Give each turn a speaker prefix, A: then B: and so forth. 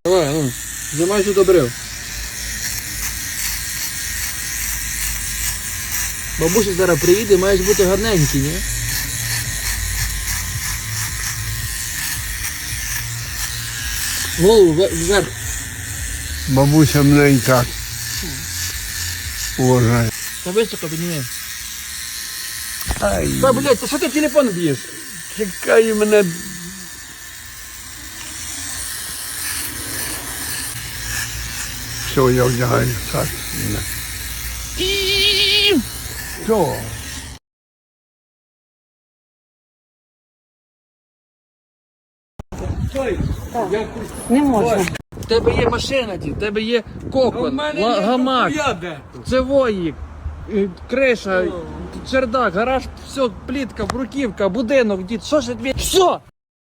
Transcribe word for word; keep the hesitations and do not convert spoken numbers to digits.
A: Давай, ну, займайся добрив. Бабуся зараз приїде, маєш бути гарненький, ні? Голову вверх.
B: Бабуся мене і так уважає.
A: Та високо підніми.
B: Ай,
A: Та, блядь, та що ти телефон б'єш?
B: чекай мене. Все, я вдягаю так. Що?
C: Не можна.
A: В тебе є машина, ті, в тебе є кокон, ла- гамак, це воїк, е, криша, чердак, гараж, все, плітка, бруківка, будинок, дід, що ж тобі? Все!